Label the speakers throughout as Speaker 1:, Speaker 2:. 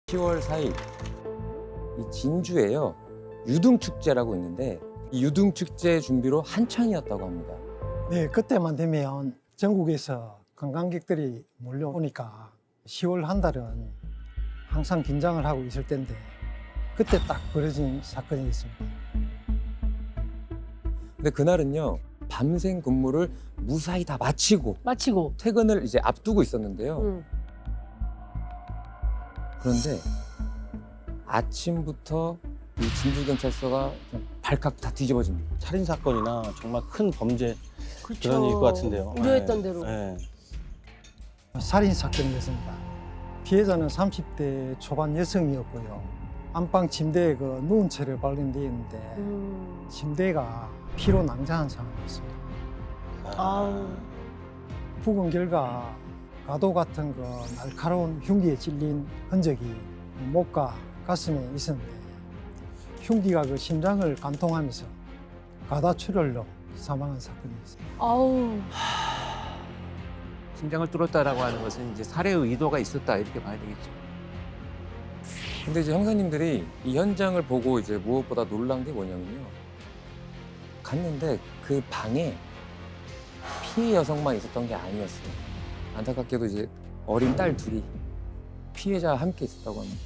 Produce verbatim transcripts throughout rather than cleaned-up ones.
Speaker 1: 시월 사일 이 진주에요 유등축제라고 있는데 이 유등축제 준비로 한창이었다고 합니다.
Speaker 2: 네, 그때만 되면 전국에서 관광객들이 몰려오니까 시월 한 달은 항상 긴장을 하고 있을 텐데 그때 딱 벌어진 사건이 있습니다.
Speaker 1: 근데 그날은요 밤샘 근무를 무사히 다 마치고
Speaker 3: 마치고.
Speaker 1: 퇴근을 이제 앞두고 있었는데요.
Speaker 3: 응.
Speaker 1: 그런데 아침부터 이 진주경찰서가 그냥 발칵 다 뒤집어집니다.
Speaker 4: 살인 사건이나 정말 큰 범죄
Speaker 3: 그렇죠.
Speaker 4: 그런 일일 것 같은데요.
Speaker 3: 우려했던
Speaker 4: 네.
Speaker 3: 대로.
Speaker 4: 네.
Speaker 2: 살인 사건이었습니다. 피해자는 삼십 대 초반 여성이었고요. 안방 침대에 그 누운 채를 발견되어 있는데
Speaker 3: 음.
Speaker 2: 침대가 피로 낭자한 상황이었습니다.
Speaker 3: 아우.
Speaker 2: 부근 결과 가도 같은 그 날카로운 흉기에 찔린 흔적이 목과 가슴에 있었는데 흉기가 그 심장을 관통하면서 가다출혈로 사망한 사건이었습니다.
Speaker 3: 아우.
Speaker 5: 심장을 뚫었다라고 하는 것은 이제 살해 의도가 있었다 이렇게 봐야 되겠죠.
Speaker 1: 근데 이제 형사님들이 이 현장을 보고 이제 무엇보다 놀란 게 뭐냐면요. 갔는데 그 방에 피해 여성만 있었던 게 아니었어요. 안타깝게도 이제 어린 딸 둘이 피해자와 함께 있었다고 합니다.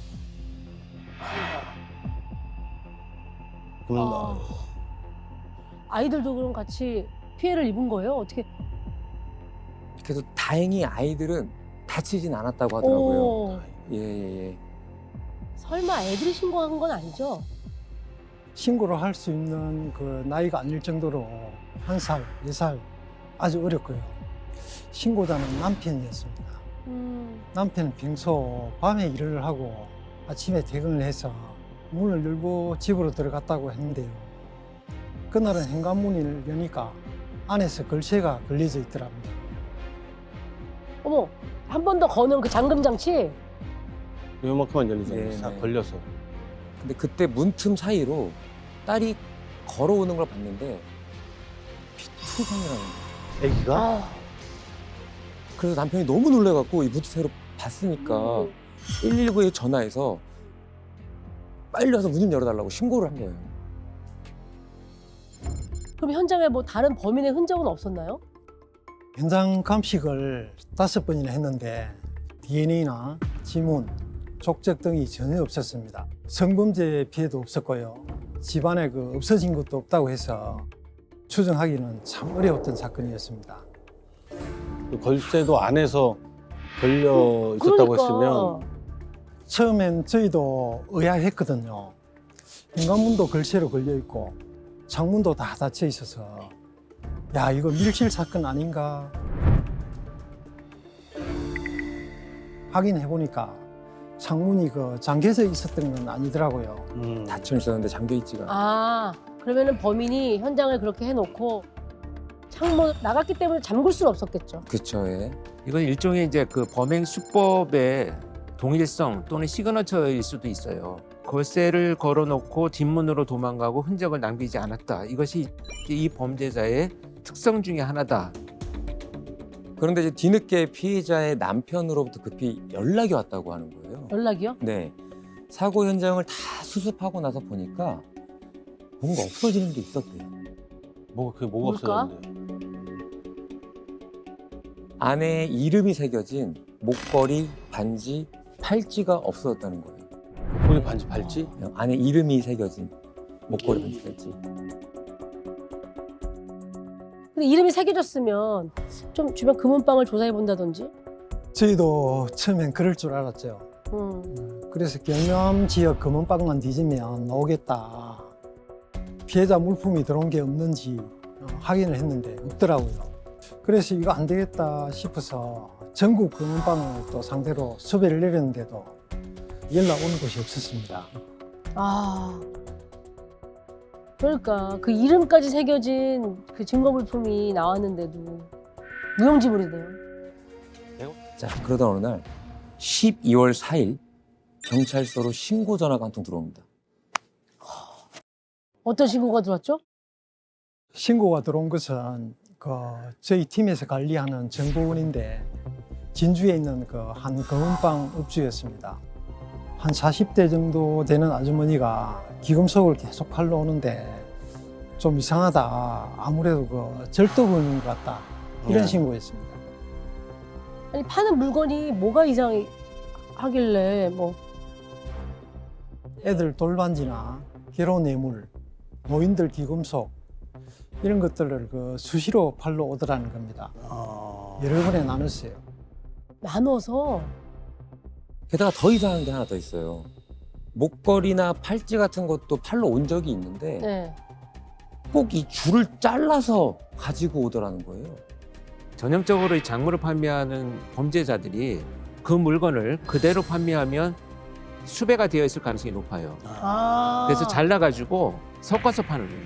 Speaker 4: 그럼
Speaker 3: 아. 아이들도 그럼 같이 피해를 입은 거예요? 어떻게?
Speaker 1: 그래서 다행히 아이들은 다치진 않았다고 하더라고요.
Speaker 3: 오.
Speaker 1: 예예예. 예.
Speaker 3: 설마 애들이 신고한 건 아니죠?
Speaker 2: 신고를 할 수 있는 그 나이가 아닐 정도로 한 살, 네 살 아주 어렸고요. 신고자는 남편이었습니다.
Speaker 3: 음.
Speaker 2: 남편은 평소 밤에 일을 하고 아침에 퇴근을 해서 문을 열고 집으로 들어갔다고 했는데요. 그날은 현관문을 여니까 안에서 걸쇠가 걸려져 있더랍니다.
Speaker 3: 어머, 한 번 더 거는 그 잠금 장치?
Speaker 4: 요만큼만 열리잖아요.
Speaker 1: 네,
Speaker 4: 다
Speaker 1: 네.
Speaker 4: 걸려서.
Speaker 1: 근데 그때 문틈 사이로 딸이 걸어오는 걸 봤는데 피투성이라는 거예요.
Speaker 4: 애기가?
Speaker 3: 아.
Speaker 1: 그래서 남편이 너무 놀래갖고 이 무트새로 봤으니까
Speaker 3: 음.
Speaker 1: 일일구에 전화해서 빨리 와서 문 좀 열어달라고 신고를 한 거예요.
Speaker 3: 그럼 현장에 뭐 다른 범인의 흔적은 없었나요?
Speaker 2: 현장 감식을 다섯 번이나 했는데 디엔에이나 지문, 족적 등이 전혀 없었습니다. 성범죄 피해도 없었고요. 집안에 그 없어진 것도 없다고 해서 추정하기는 참 어려웠던 사건이었습니다.
Speaker 4: 그 걸쇠도 안에서 걸려 있었다고
Speaker 3: 그러니까.
Speaker 4: 했으면
Speaker 2: 처음엔 저희도 의아했거든요. 현관문도 걸쇠로 걸려 있고 창문도 다 닫혀 있어서 야, 이거 밀실 사건 아닌가 확인해 보니까 창문이 그 잠겨져 있었던 건 아니더라고요.
Speaker 4: 음.
Speaker 1: 닫혀 있었는데 잠겨 있지가 않아요.
Speaker 3: 아, 그러면은 범인이 현장을 그렇게 해놓고 창문 나갔기 때문에 잠글 수는 없었겠죠.
Speaker 1: 그쵸, 예.
Speaker 5: 이건 일종의 이제 그 범행 수법의 동일성 또는 시그너처일 수도 있어요. 걸쇠를 걸어놓고 뒷문으로 도망가고 흔적을 남기지 않았다. 이것이 이 범죄자의 특성 중에 하나다.
Speaker 1: 그런데 이제 뒤늦게 피해자의 남편으로부터 급히 연락이 왔다고 하는 거예요.
Speaker 3: 연락이요?
Speaker 1: 네. 사고 현장을 다 수습하고 나서 보니까 뭔가 없어지는 게 있었대요.
Speaker 4: 뭐 그게 뭐가
Speaker 3: 뭘까?
Speaker 4: 없었는데.
Speaker 1: 안에 이름이 새겨진 목걸이, 반지, 팔찌가 없어졌다는 거예요.
Speaker 4: 목걸이 반지 팔찌?
Speaker 1: 그냥 안에 이름이 새겨진 목걸이, 반지, 팔찌.
Speaker 3: 근데 이름이 새겨졌으면 좀 주변 금은방을 조사해 본다든지.
Speaker 2: 저희도 처음엔 그럴 줄 알았죠.
Speaker 3: 음.
Speaker 2: 그래서 경남 지역 금은방만 뒤지면 나오겠다. 피해자 물품이 들어온 게 없는지 확인을 했는데 없더라고요. 그래서 이거 안 되겠다 싶어서 전국 금은방을 또 상대로 수배를 내렸는데도 연락 오는 곳이 없었습니다.
Speaker 3: 아. 그러니까 그 이름까지 새겨진 그 증거 물품이 나왔는데도 무용지물이네요.
Speaker 1: 자, 그러던 어느 날 십이월 사일 경찰서로 신고 전화가 한 통 들어옵니다.
Speaker 3: 어떤 신고가 들어왔죠?
Speaker 2: 신고가 들어온 것은 그 저희 팀에서 관리하는 정보원인데 진주에 있는 그 한 금은방 업주였습니다. 한 사십 대 정도 되는 아주머니가 기금속을 계속 팔러 오는데 좀 이상하다. 아무래도 그 절도범인 것 같다. 이런
Speaker 4: 네.
Speaker 2: 신고였습니다.
Speaker 3: 아니 파는 물건이 뭐가 이상하길래 뭐
Speaker 2: 애들 돌반지나 결혼 뇌물, 노인들 기금속 이런 것들을 그 수시로 팔러 오더라는 겁니다.
Speaker 4: 아...
Speaker 2: 여러 번에 나눴어요.
Speaker 3: 나눠서
Speaker 1: 게다가 더 이상한 게 하나 더 있어요. 목걸이나 팔찌 같은 것도 팔러 온 적이 있는데
Speaker 3: 네.
Speaker 1: 꼭 이 줄을 잘라서 가지고 오더라는 거예요.
Speaker 5: 전형적으로 이 작물을 판매하는 범죄자들이 그 물건을 그대로 판매하면 수배가 되어 있을 가능성이 높아요.
Speaker 3: 아.
Speaker 5: 그래서 잘라가지고 섞어서 파는 거예요.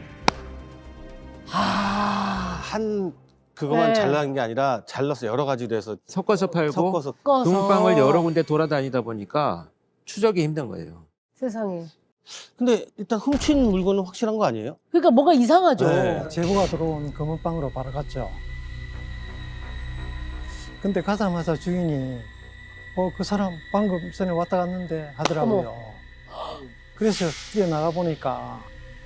Speaker 3: 아.
Speaker 4: 한 그것만
Speaker 3: 네.
Speaker 4: 잘라는 게 아니라 잘라서 여러 가지로 해서
Speaker 5: 섞어서 팔고
Speaker 4: 섞어서
Speaker 3: 꺾어서.
Speaker 5: 금은방을 여러 군데 돌아다니다 보니까 추적이 힘든 거예요.
Speaker 3: 세상에.
Speaker 4: 근데 일단 훔친 물건은 확실한 거 아니에요?
Speaker 3: 그러니까 뭔가 이상하죠.
Speaker 4: 네.
Speaker 2: 제보가 들어온 금은방으로 바로 갔죠. 근데 가자마자 주인이 어, 그 사람 방금 전에 왔다 갔는데 하더라고요. 그래서 뛰어나가 보니까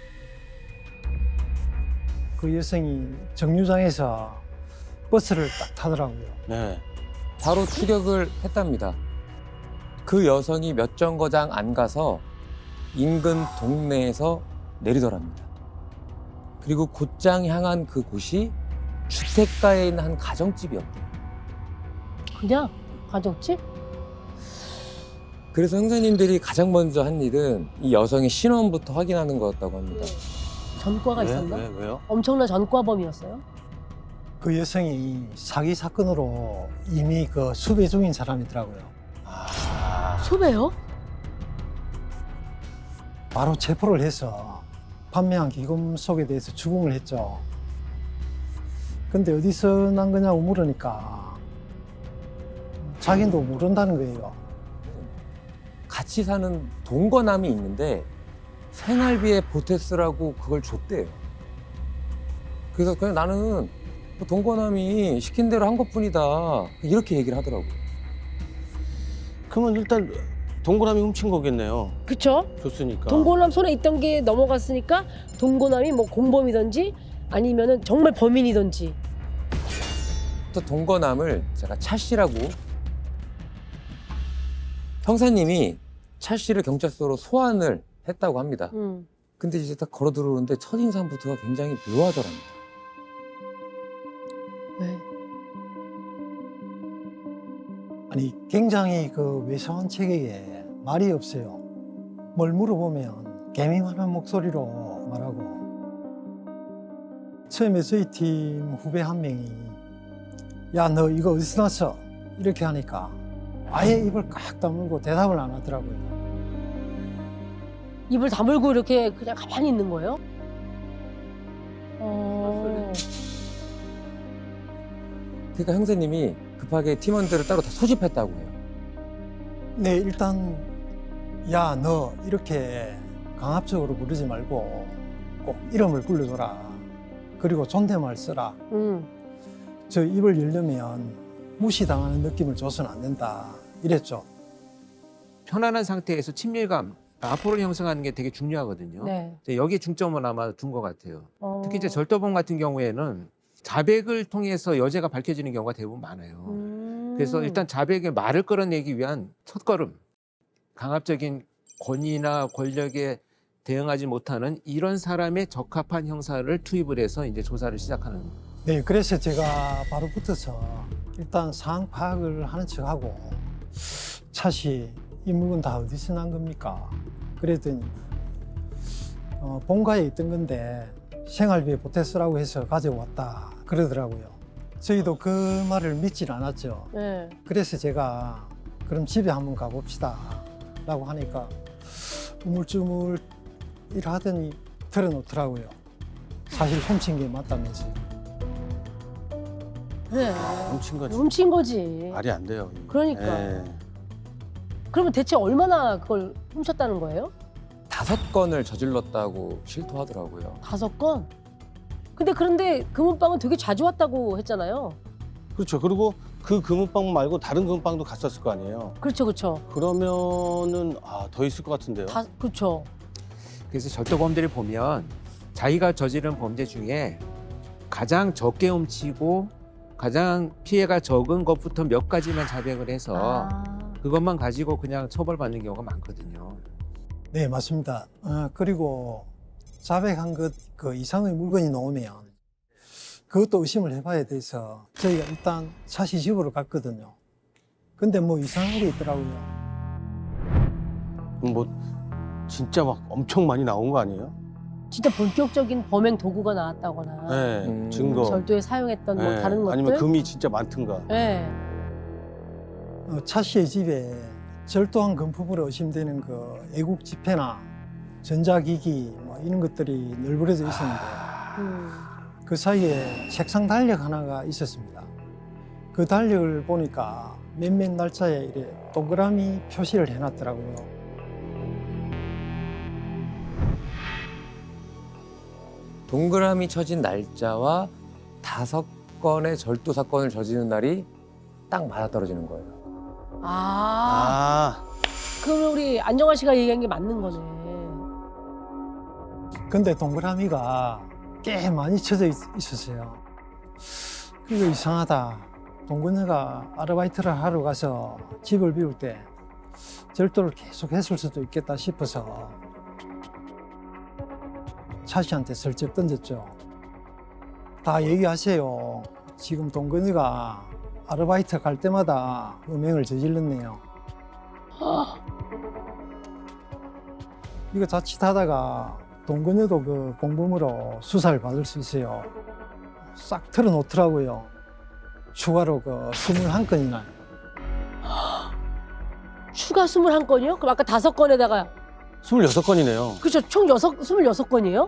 Speaker 2: 그 여성이 정류장에서 버스를 딱 타더라고요.
Speaker 4: 네.
Speaker 1: 바로 추격을 했답니다. 그 여성이 몇 정거장 안 가서 인근 동네에서 내리더랍니다. 그리고 곧장 향한 그 곳이 주택가에 있는 한 가정집이었대요.
Speaker 3: 그냥 가족집?
Speaker 1: 그래서 형사님들이 가장 먼저 한 일은 이 여성의 신원부터 확인하는 거였다고 합니다.
Speaker 3: 전과가
Speaker 4: 왜?
Speaker 3: 있었나?
Speaker 4: 왜? 왜요?
Speaker 3: 엄청난 전과범이었어요?
Speaker 2: 그 여성이 사기 사건으로 이미 그 수배 중인 사람이더라고요.
Speaker 4: 아...
Speaker 3: 수배요?
Speaker 2: 바로 체포를 해서 판매한 기금속에 대해서 추궁을 했죠. 근데 어디서 난 거냐고 물으니까 자기도 모른다는 거예요.
Speaker 1: 같이 사는 동거남이 있는데 생활비에 보태 쓰라고 그걸 줬대요. 그래서 그냥 나는 뭐 동거남이 시킨 대로 한 것뿐이다 이렇게 얘기를 하더라고.
Speaker 4: 그러면 일단 동그라미 훔친 거겠네요.
Speaker 3: 그쵸?
Speaker 4: 줬으니까.
Speaker 3: 동고남 손에 있던 게 넘어갔으니까 동고남이 뭐 공범이든지 아니면은 정말 범인이든지.
Speaker 1: 또 동거남을 제가 차 씨라고 형사님이 차 씨를 경찰서로 소환을 했다고 합니다.
Speaker 3: 음.
Speaker 1: 근데 이제 딱 걸어 들어오는데 첫인상부터가 굉장히 묘하더랍니다.
Speaker 3: 왜?
Speaker 2: 아니 굉장히 그 외소한 체격에 말이 없어요. 뭘 물어보면 개미만한 목소리로 말하고 처음에 저희 팀 후배 한 명이 야 너 이거 어디서 났어? 이렇게 하니까 아예 입을 깍 다물고 대답을 안 하더라고요.
Speaker 3: 입을 다물고 이렇게 그냥 가만히 있는 거예요? 어...
Speaker 1: 그러니까 형사님이 급하게 팀원들을 따로 다 소집했다고 해요.
Speaker 2: 네 일단 야 너 이렇게 강압적으로 부르지 말고 꼭 이름을 불러줘라. 그리고 존댓말 써라.
Speaker 3: 음.
Speaker 2: 저 입을 열려면 무시당하는 느낌을 줘서는 안 된다. 이랬죠.
Speaker 5: 편안한 상태에서 친밀감, 라포를 형성하는 게 되게 중요하거든요.
Speaker 3: 네.
Speaker 5: 이제 여기에 중점을 아마 둔 것 같아요.
Speaker 3: 어...
Speaker 5: 특히 이제 절도범 같은 경우에는 자백을 통해서 여죄가 밝혀지는 경우가 대부분 많아요.
Speaker 3: 음...
Speaker 5: 그래서 일단 자백의 말을 끌어내기 위한 첫걸음, 강압적인 권위나 권력에 대응하지 못하는 이런 사람의 적합한 형사를 투입을 해서 이제 조사를 시작하는.
Speaker 2: 네, 그래서 제가 바로 붙어서 일단 상황 파악을 하는 척하고 차씨 이 물건 다 어디서 난 겁니까? 그랬더니 어, 본가에 있던 건데 생활비에 보태 쓰라고 해서 가져왔다 그러더라고요. 저희도 그 말을 믿질 않았죠.
Speaker 3: 네.
Speaker 2: 그래서 제가 그럼 집에 한번 가봅시다 라고 하니까 우물쭈물 일하더니 털어놓더라고요. 사실 훔친 게 맞다면서요.
Speaker 3: 그래.
Speaker 4: 훔친 거지.
Speaker 3: 훔친 거지.
Speaker 4: 말이 안 돼요.
Speaker 3: 그러니까.
Speaker 4: 예.
Speaker 3: 그러면 대체 얼마나 그걸 훔쳤다는 거예요?
Speaker 1: 다섯 건을 저질렀다고 실토하더라고요.
Speaker 3: 다섯 건? 근데 그런데 금은방은 되게 자주 왔다고 했잖아요.
Speaker 4: 그렇죠. 그리고 그 금은방 말고 다른 금은방도 갔었을 거 아니에요?
Speaker 3: 그렇죠, 그렇죠.
Speaker 4: 그러면은 아, 더 있을 것 같은데요.
Speaker 3: 다 그렇죠.
Speaker 5: 그래서 절도범들을 보면 자기가 저지른 범죄 중에 가장 적게 훔치고 가장 피해가 적은 것부터 몇 가지만 자백을 해서
Speaker 3: 아,
Speaker 5: 그것만 가지고 그냥 처벌받는 경우가 많거든요.
Speaker 2: 네, 맞습니다. 어, 그리고 자백한 것 그 이상의 물건이 나오면 그것도 의심을 해봐야 돼서 저희가 일단 차시 집으로 갔거든요. 근데 뭐 이상한 게 있더라고요.
Speaker 4: 그럼 뭐 진짜 막 엄청 많이 나온 거 아니에요?
Speaker 3: 진짜 본격적인 범행 도구가 나왔다거나
Speaker 4: 네,
Speaker 1: 음.
Speaker 4: 증거.
Speaker 3: 절도에 사용했던 뭐
Speaker 4: 네,
Speaker 3: 다른 것들.
Speaker 4: 아니면 금이 진짜 많든가.
Speaker 3: 네.
Speaker 2: 어, 차 씨의 집에 절도한 금품으로 의심되는 그 애국 지폐나 전자기기 뭐 이런 것들이 널브러져 있었는데
Speaker 3: 음.
Speaker 2: 그 사이에 책상 달력 하나가 있었습니다. 그 달력을 보니까 몇몇 날짜에 이래 동그라미 표시를 해놨더라고요.
Speaker 1: 동그라미 쳐진 날짜와 다섯 건의 절도 사건을 저지른 날이 딱 맞아떨어지는 거예요.
Speaker 3: 아,
Speaker 4: 아,
Speaker 3: 그럼 우리 안정환 씨가 얘기한 게 맞는 거네.
Speaker 2: 근데 동그라미가 꽤 많이 쳐져 있, 있었어요. 그리고 이상하다. 동근이가 아르바이트를 하러 가서 집을 비울 때 절도를 계속 했을 수도 있겠다 싶어서 차 씨한테 슬쩍 던졌죠. 다 얘기하세요. 지금 동근이가 아르바이트 갈 때마다 음행을 저질렀네요. 이거 자칫하다가 동근이도 그 공범으로 수사를 받을 수 있어요. 싹 털어놓더라고요. 추가로 그 스물한 건이나.
Speaker 3: 추가 스물한 건이요? 그럼 아까 다섯 건에다가
Speaker 4: 스물여섯 건이네요.
Speaker 3: 그렇죠. 총 여섯 스물여섯 건이에요?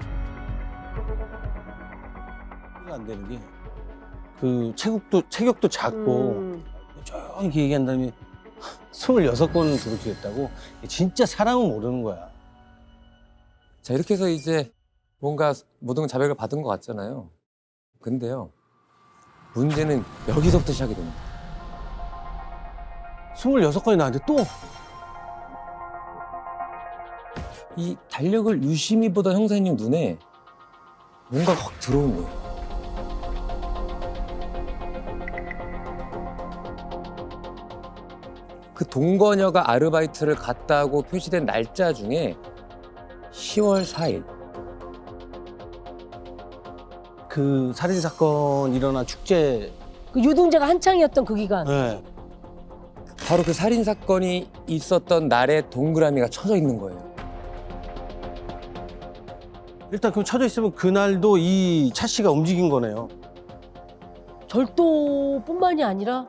Speaker 4: 이해가 안 되는 게 그 체격도 체격도 작고
Speaker 3: 음.
Speaker 4: 조용히 얘기한 다음에 스물여섯 건을 도둑질했다고. 진짜 사람은 모르는 거야.
Speaker 1: 자, 이렇게 해서 이제 뭔가 모든 자백을 받은 것 같잖아요. 근데요, 문제는 여기서부터 시작이 됩니다.
Speaker 4: 스물여섯 건이 나한테 또
Speaker 1: 이 달력을 유심히 보던 형사님 눈에 뭔가 확 들어온 거예요. 그 동거녀가 아르바이트를 갔다고 표시된 날짜 중에 시월 사일.
Speaker 4: 그 살인 사건 일어난 축제.
Speaker 3: 그 유등재가 한창이었던 그 기간.
Speaker 4: 네.
Speaker 1: 바로 그 살인 사건이 있었던 날에 동그라미가 쳐져 있는 거예요.
Speaker 4: 일단 그럼 쳐져 있으면 그날도 이 차 씨가 움직인 거네요.
Speaker 3: 절도뿐만이 아니라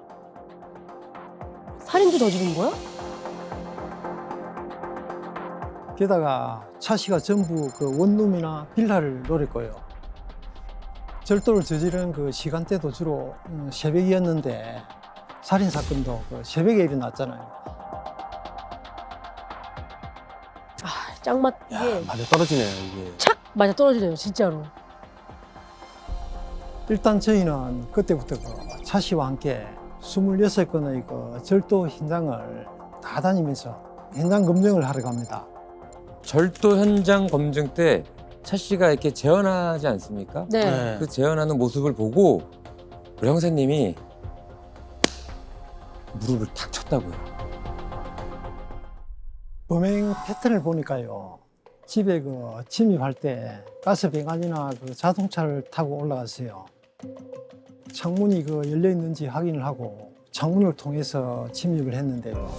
Speaker 3: 살인도 저지른 거야?
Speaker 2: 게다가 차 씨가 전부 그 원룸이나 빌라를 노릴 거예요. 절도를 저지른 그 시간대도 주로 음, 새벽이었는데 살인 사건도 그 새벽에 일어났잖아요.
Speaker 3: 아, 짱맛
Speaker 4: 야,
Speaker 3: 이게
Speaker 4: 맞아 떨어지네요 이게.
Speaker 3: 착 맞아 떨어지네요, 진짜로.
Speaker 2: 일단 저희는 그때부터 그 차 씨와 함께 스물여섯 건의 그 절도 현장을 다 다니면서 현장 검증을 하러 갑니다.
Speaker 1: 절도 현장 검증 때 차 씨가 이렇게 재현하지 않습니까?
Speaker 3: 네.
Speaker 4: 네.
Speaker 1: 그 재현하는 모습을 보고 우리 형사님이 무릎을 탁 쳤다고요.
Speaker 2: 범행 패턴을 보니까요. 집에 그 침입할 때 가스배관이나 그 자동차를 타고 올라갔어요. 창문이 그 열려 있는지 확인을 하고 창문을 통해서 침입을 했는데요.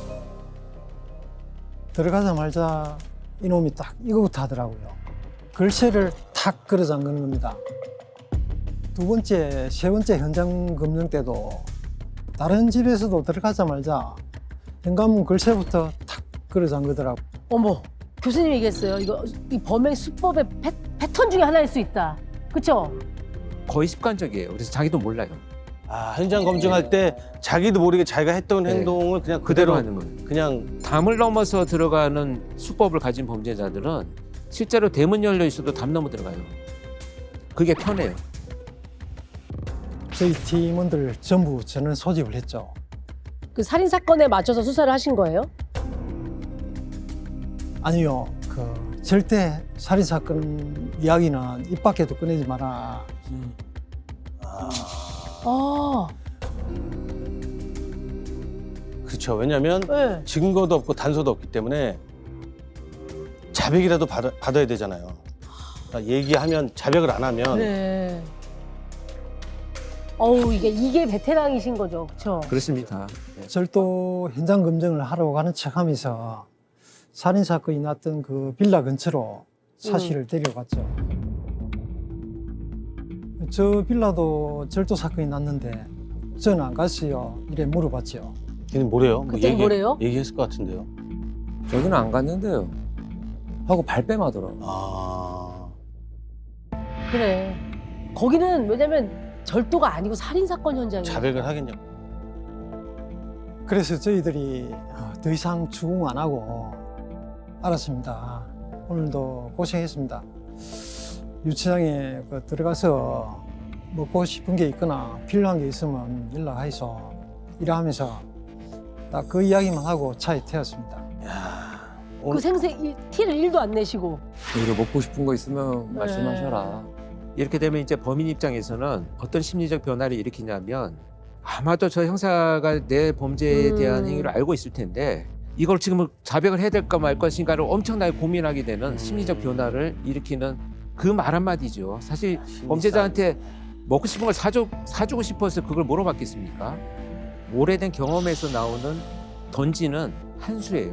Speaker 2: 들어가자마자 이놈이 딱 이거부터 하더라고요. 글씨를 탁 걸어 잠그는 겁니다. 두 번째, 세 번째 현장 검증 때도 다른 집에서도 들어가자마자 현관문 글씨부터 탁 걸어 잠그더라고요.
Speaker 3: 어머, 교수님이 얘기했어요. 이거 이 범행 수법의 패, 패턴 중에 하나일 수 있다. 그렇죠?
Speaker 5: 거의 습관적이에요. 그래서 자기도 몰라요.
Speaker 4: 아 현장 검증할 때 자기도 모르게 자기가 했던
Speaker 5: 네.
Speaker 4: 행동을 그냥
Speaker 5: 그대로
Speaker 4: 그대로
Speaker 5: 하는 거예요.
Speaker 4: 그냥
Speaker 5: 담을 넘어서 들어가는 수법을 가진 범죄자들은 실제로 대문 열려 있어도 담 넘어 들어가요. 그게 편해요.
Speaker 2: 저희 팀원들 전부 저는 소집을 했죠.
Speaker 3: 그 살인 사건에 맞춰서 수사를 하신 거예요?
Speaker 2: 아니요, 그 절대 살인 사건 이야기는 입 밖에도 꺼내지 마라.
Speaker 4: 아,
Speaker 3: 아,
Speaker 4: 그렇죠. 왜냐하면
Speaker 3: 네.
Speaker 4: 증거도 없고 단서도 없기 때문에 자백이라도 받아, 받아야 되잖아요. 그러니까 얘기하면 자백을 안 하면
Speaker 3: 그래. 어우, 이게 이게 베테랑이신 거죠, 그렇죠?
Speaker 5: 그렇습니다.
Speaker 2: 절도 현장 검증을 하러 가는 척하면서 살인 사건이 났던 그 빌라 근처로 차 씨를 데려갔죠. 저 빌라도 절도 사건이 났는데 저는 안 갔어요. 이래 물어봤죠.
Speaker 4: 걔는 뭐래요? 뭐
Speaker 3: 그때는 뭐래요?
Speaker 4: 얘기했을 것 같은데요.
Speaker 1: 저기는 안 갔는데요. 하고 발뺌하더라고.
Speaker 4: 아,
Speaker 3: 그래. 거기는 왜냐면 절도가 아니고 살인 사건 현장이에요.
Speaker 4: 자백을 하겠냐?
Speaker 2: 그래서 저희들이 더 이상 추궁 안 하고 알았습니다. 오늘도 고생했습니다. 유치장에 그 들어가서 먹고 싶은 게 있거나 필요한 게 있으면 연락하이소. 이러하면서 딱 그 이야기만 하고 차에 태웠습니다.
Speaker 4: 야,
Speaker 3: 그
Speaker 4: 오늘
Speaker 3: 생생 일- 티를 일도 안 내시고.
Speaker 1: 이거 먹고 싶은 거 있으면
Speaker 3: 네.
Speaker 1: 말씀하셔라.
Speaker 5: 이렇게 되면 이제 범인 입장에서는 어떤 심리적 변화를 일으키냐면 아마도 저 형사가 내 범죄에 대한
Speaker 3: 음.
Speaker 5: 행위를 알고 있을 텐데 이걸 지금 자백을 해야 될까 말 것인가를 엄청나게 고민하게 되는
Speaker 4: 음.
Speaker 5: 심리적 변화를 일으키는 그 말 한마디죠. 사실 범죄자한테 먹고 싶은 걸 사주, 사주고 싶어서 그걸 물어봤겠습니까? 오래된 경험에서 나오는 던지는 한 수예요.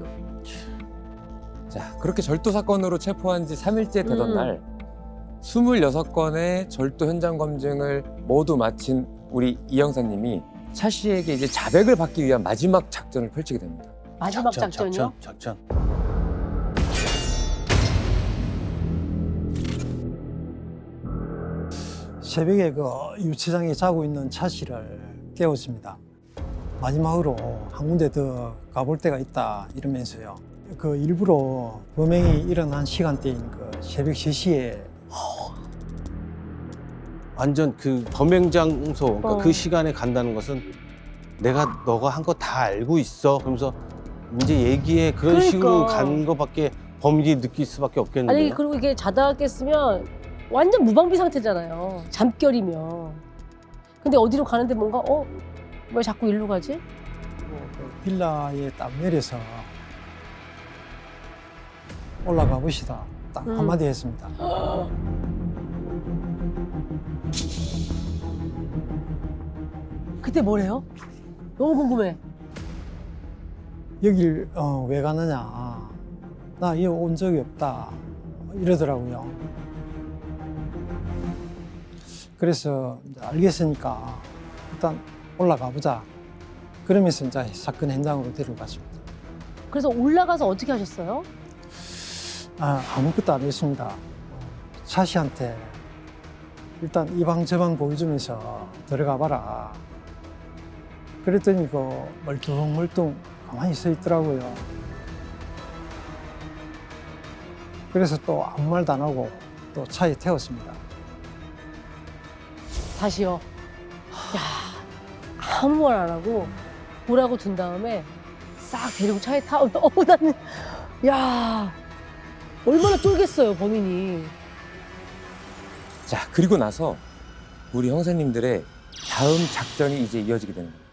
Speaker 1: 자, 그렇게 절도 사건으로 체포한 지 삼 일째 되던
Speaker 3: 음.
Speaker 1: 날 스물여섯 건의 절도 현장 검증을 모두 마친 우리 이 형사님이 차 씨에게 이제 자백을 받기 위한 마지막 작전을 펼치게 됩니다.
Speaker 3: 마지막
Speaker 4: 작전,
Speaker 3: 작전이요?
Speaker 4: 작전, 작전.
Speaker 2: 새벽에 그 유치장에 자고 있는 차 씨를 깨웠습니다. 마지막으로 한 군데 더 가볼 데가 있다 이러면서요. 그 일부러 범행이 일어난 시간대인 그 새벽 세 시에
Speaker 4: 완전 그 범행 장소, 그러니까
Speaker 3: 어.
Speaker 4: 그 시간에 간다는 것은 내가 너가 한 거 다 알고 있어. 그러면서 이제 얘기해 그런
Speaker 3: 그러니까.
Speaker 4: 식으로 간 거밖에 범인이 느낄 수밖에 없겠는데요.
Speaker 3: 아니 그리고 이게 자다가 깼으면 완전 무방비 상태잖아요. 잠결이면. 근데 어디로 가는데 뭔가 어? 왜 자꾸 일로 가지?
Speaker 2: 그 빌라에 딱 내려서 올라가 보시다 딱
Speaker 3: 음.
Speaker 2: 한마디 했습니다.
Speaker 3: 그때 뭐래요? 너무 궁금해.
Speaker 2: 여길 어, 왜 가느냐. 나 여기 온 적이 없다. 이러더라고요. 그래서 이제 알겠으니까 일단 올라가 보자. 그러면서 이제 사건 현장으로 데려갔습니다.
Speaker 3: 그래서 올라가서 어떻게 하셨어요?
Speaker 2: 아, 아무것도 안 했습니다. 차 씨한테 일단 이 방 저 방 보여주면서 들어가 봐라. 그랬더니 그 멀뚱멀뚱 가만히 서 있더라고요. 그래서 또 아무 말도 안 하고 또 차에 태웠습니다.
Speaker 3: 다시요. 야, 아무 말 안 하고 보라고 둔 다음에 싹 데리고 차에 타고 어 나는 야 얼마나 쫄겠어요 범인이.
Speaker 1: 자, 그리고 나서 우리 형사님들의 다음 작전이 이제 이어지게 되는 겁니다.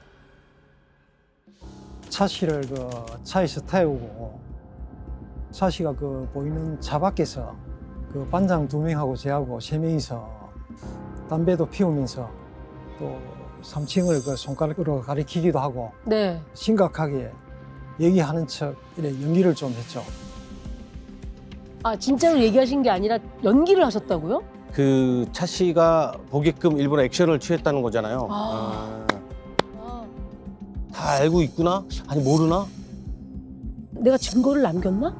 Speaker 2: 차 씨를 그 차에서 태우고 차 씨가 그 보이는 차 밖에서 그 반장 두 명하고 저하고 세 명이서 담배도 피우면서 또 삼 층을 그 손가락으로 가리키기도 하고
Speaker 3: 네.
Speaker 2: 심각하게 얘기하는 척 이래 연기를 좀 했죠.
Speaker 3: 아 진짜로 얘기하신 게 아니라 연기를 하셨다고요?
Speaker 4: 그 차 씨가 보게끔 일부러 액션을 취했다는 거잖아요.
Speaker 3: 아.
Speaker 4: 아,
Speaker 3: 아,
Speaker 4: 다 알고 있구나? 아니 모르나?
Speaker 3: 내가 증거를 남겼나?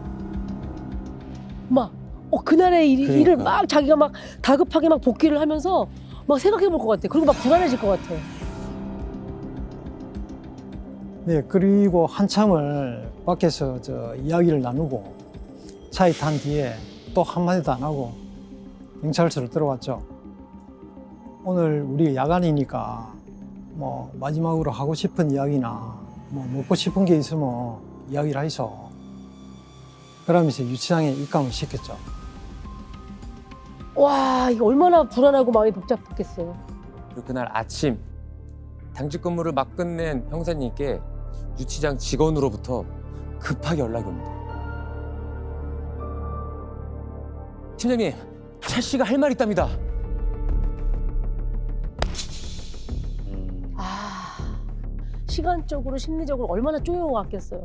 Speaker 3: 막, 어, 그날의 일,
Speaker 4: 그러니까.
Speaker 3: 일을 막 자기가 막 다급하게 막 복귀를 하면서 막 생각해 볼 것 같아. 그리고 막 불안해질 것 같아.
Speaker 2: 네, 그리고 한참을 밖에서 저 이야기를 나누고 차에 탄 뒤에 또 한마디도 안 하고 경찰서로 들어왔죠. 오늘 우리 야간이니까 뭐 마지막으로 하고 싶은 이야기나 뭐 먹고 싶은 게 있으면 이야기를 하이소. 그러면서 유치장에 입감을 시켰죠.
Speaker 3: 와, 이거 얼마나 불안하고 마음이 복잡했겠어요.
Speaker 1: 그리고 그날 아침 당직 근무를 막 끝낸 형사님께 유치장 직원으로부터 급하게 연락이 옵니다. 팀장님, 차 씨가 할 말 있답니다.
Speaker 4: 음,
Speaker 3: 아, 시간적으로 심리적으로 얼마나 쪼여왔겠어요.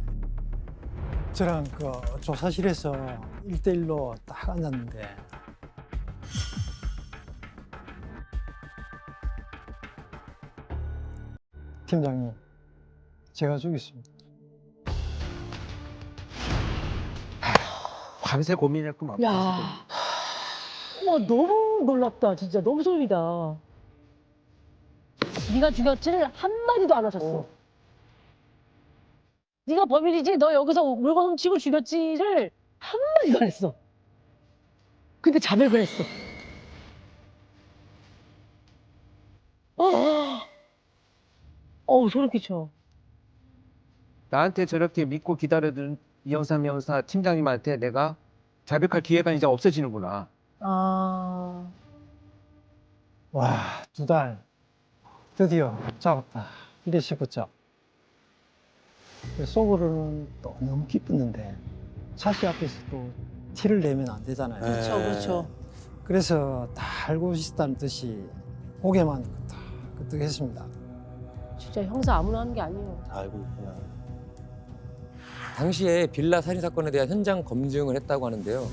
Speaker 2: 저랑 그 조사실에서 일대일로 딱 앉았는데 팀장님, 제가 죽였습니다.
Speaker 5: 밤새 고민했구만.
Speaker 3: 야, 와 너무 놀랍다, 진짜 너무 소름이다. 네가 죽였지를 한 마디도 안 하셨어. 네가 범인이지, 너 여기서 물건 훔치고 죽였지를 한 마디도 안 했어. 근데 자백을 했어. 어, 어우 소름 끼쳐.
Speaker 5: 나한테 저렇게 믿고 기다려준 이영삼 형사 팀장님한테 내가 자백할 기회가 이제 없어지는구나.
Speaker 3: 아,
Speaker 2: 와, 두 달 드디어 잡았다 이래 싶었죠. 속으로는 또 너무 기뻤는데 차씨 앞에서 또 티를 내면 안 되잖아요.
Speaker 4: 네.
Speaker 3: 그렇죠, 그렇죠.
Speaker 2: 그래서 다 알고 있었다는 듯이 고개만 끄덕끄덕했습니다.
Speaker 3: 진짜 형사 아무나 하는 게 아니에요.
Speaker 4: 다 알고 있구나.
Speaker 1: 당시에 빌라 살인 사건에 대한 현장 검증을 했다고 하는데요.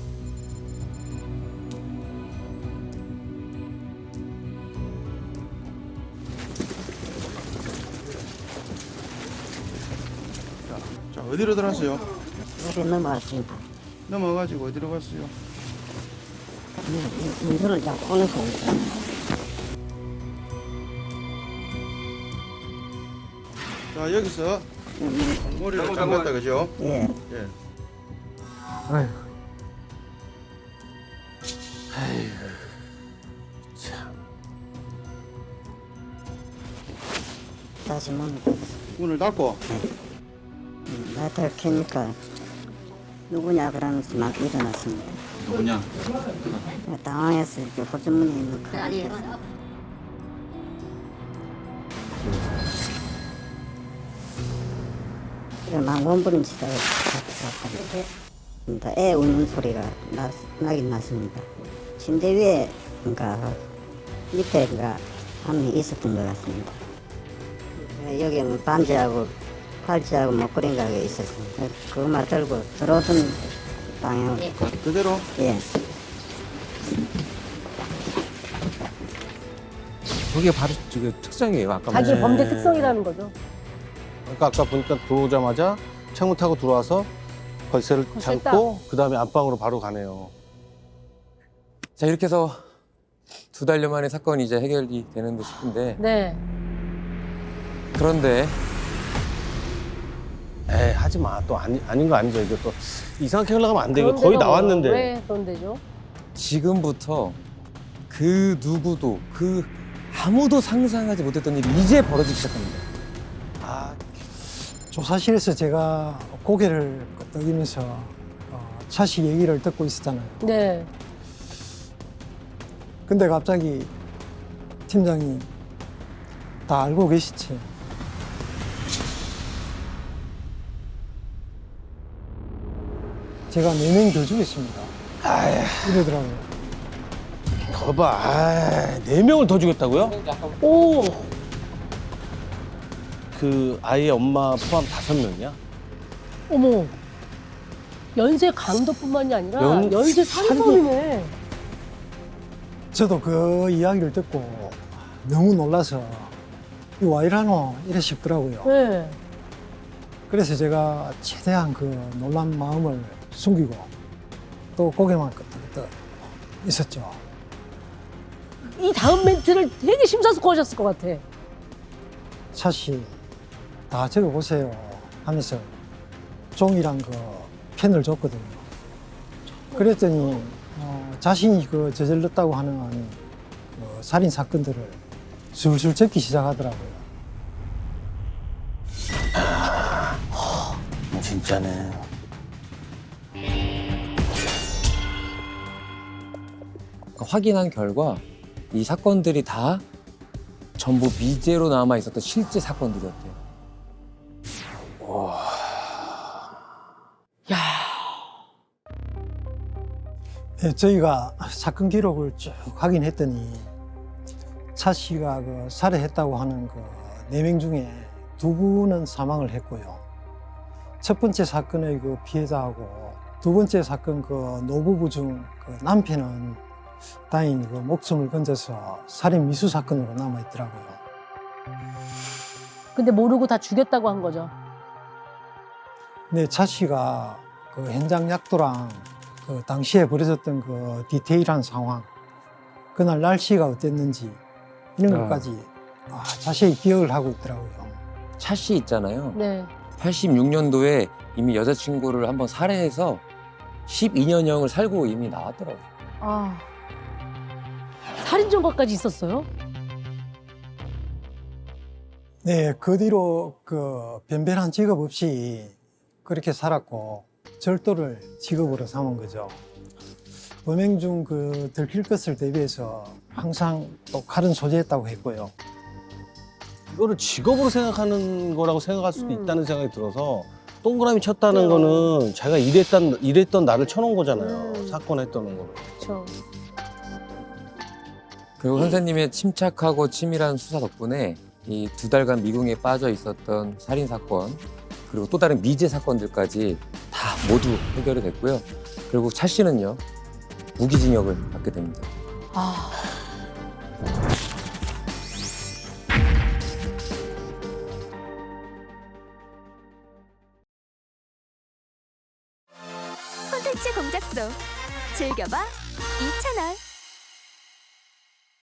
Speaker 6: 자, 어디로 들어갔어요?
Speaker 7: 여기 넘어갔습니다.
Speaker 6: 넘어가지고 어디로 갔어요?
Speaker 7: 문서를 잡고 오는 겁니다.
Speaker 6: 자, 여기서 머리를 잠갔다, 그죠?
Speaker 7: 예.
Speaker 6: 예.
Speaker 5: 아휴.
Speaker 7: 다시 문을
Speaker 6: 문을 닫고
Speaker 7: 나한테 캐니까 누구냐 그러면서 막 일어났습니다.
Speaker 6: 누구냐?
Speaker 7: 당황해서 이렇게 호주머니에 넣고 막 원부림치다가 잡혔습니다. 애 우는 소리가 나, 나긴 났습니다. 침대 위에 그러니까 밑에 그러니까 한 명이 있었던 것 같습니다. 여기 뭐 반지하고 팔찌하고 목걸이가 있었습니다. 그것만 들고 들어오던 방향으로
Speaker 6: 그대로?
Speaker 7: 예.
Speaker 5: 저게 바로 저게 특성이에요. 아까
Speaker 3: 자기
Speaker 5: 말씀.
Speaker 3: 범죄 특성이라는 거죠.
Speaker 4: 그러니까 아까 보니까 들어오자마자 창문 타고 들어와서 걸쇠를
Speaker 3: 걸쇠
Speaker 4: 잠고 그 다음에 안방으로 바로 가네요.
Speaker 1: 자, 이렇게 해서 두 달여 만에 사건이 이제 해결이 되는 듯 싶은데
Speaker 3: 네.
Speaker 1: 그런데
Speaker 4: 에이 하지 마. 또 아니, 아닌 거 아니죠. 이게 또 이상하게 흘러가면 안 돼. 이거
Speaker 3: 그런
Speaker 4: 거의
Speaker 3: 데가 뭐,
Speaker 4: 나왔는데.
Speaker 3: 왜 그런 데죠?
Speaker 1: 지금부터 그 누구도 그 아무도 상상하지 못했던 일이 이제 벌어지기 시작합니다.
Speaker 2: 아, 조사실에서 제가 고개를 끄덕이면서 어, 차씨 얘기를 듣고 있었잖아요.
Speaker 3: 네.
Speaker 2: 근데 갑자기 팀장이 다 알고 계시지. 제가 네 명 더 죽였습니다. 이러더라고요.
Speaker 4: 거봐. 아, 네 명을 더 죽였다고요?
Speaker 3: 오,
Speaker 4: 그 아이의 엄마 포함 다섯 명이야?
Speaker 3: 어머. 연쇄 강도뿐만이 아니라
Speaker 4: 연-
Speaker 3: 연쇄 살인범이네.
Speaker 2: 저도 그 이야기를 듣고 너무 놀라서 이거 와 이러노? 이래 싶더라고요.
Speaker 3: 네.
Speaker 2: 그래서 제가 최대한 그 놀란 마음을 숨기고 또 고개만 끄덕끄덕 있었죠.
Speaker 3: 이 다음 멘트를 되게 심사숙고하셨을 것 같아.
Speaker 2: 차씨 다 적어보세요 하면서 종이랑 그 펜을 줬거든요. 그랬더니 어, 자신이 그 저질렀다고 하는 어, 살인 사건들을 술술 적기 시작하더라고요.
Speaker 4: 진짜네.
Speaker 1: 그러니까 확인한 결과 이 사건들이 다 전부 미제로 남아 있었던 실제 사건들이었대요.
Speaker 3: 야,
Speaker 2: 네, 저희가 사건 기록을 쭉 확인했더니 차 씨가 그 살해했다고 하는 그 네 명 중에 두 분은 사망을 했고요. 첫 번째 사건의 그 피해자하고 두 번째 사건 그 노부부 중 그 남편은 다행히 그 목숨을 건져서 살인 미수 사건으로 남아 있더라고요.
Speaker 3: 근데 모르고 다 죽였다고 한 거죠.
Speaker 2: 네, 차 씨가 그 현장 약도랑 그 당시에 벌어졌던 그 디테일한 상황, 그날 날씨가 어땠는지 이런
Speaker 1: 아.
Speaker 2: 것까지 아, 자세히 기억을 하고 있더라고요.
Speaker 1: 차 씨 있잖아요.
Speaker 3: 네.
Speaker 1: 팔십육 년도에 이미 여자친구를 한번 살해해서 십이 년형을 살고 이미 나왔더라고요.
Speaker 3: 아, 살인 전과까지 있었어요?
Speaker 2: 네, 그 뒤로 그 변변한 직업 없이 그렇게 살았고 절도를 직업으로 삼은 거죠. 범행 중 그 들킬 것을 대비해서 항상 또 칼은 소지했다고 했고요.
Speaker 4: 이거를 직업으로 생각하는 거라고 생각할 수도
Speaker 3: 음.
Speaker 4: 있다는 생각이 들어서 동그라미 쳤다는
Speaker 3: 그래요.
Speaker 4: 거는 자기가 일했던, 일했던 나를 쳐놓은 거잖아요.
Speaker 3: 음.
Speaker 4: 사건 했던 거를.
Speaker 3: 그렇죠.
Speaker 1: 그리고 선생님의 침착하고 치밀한 수사 덕분에 이 두 달간 미궁에 빠져 있었던 살인 사건 그리고 또 다른 미제 사건들까지 다 모두 해결이 됐고요. 그리고 차 씨는요 무기징역을 받게 됩니다.
Speaker 3: 아,
Speaker 8: 콘텐츠 공작소 즐겨봐 이 채널.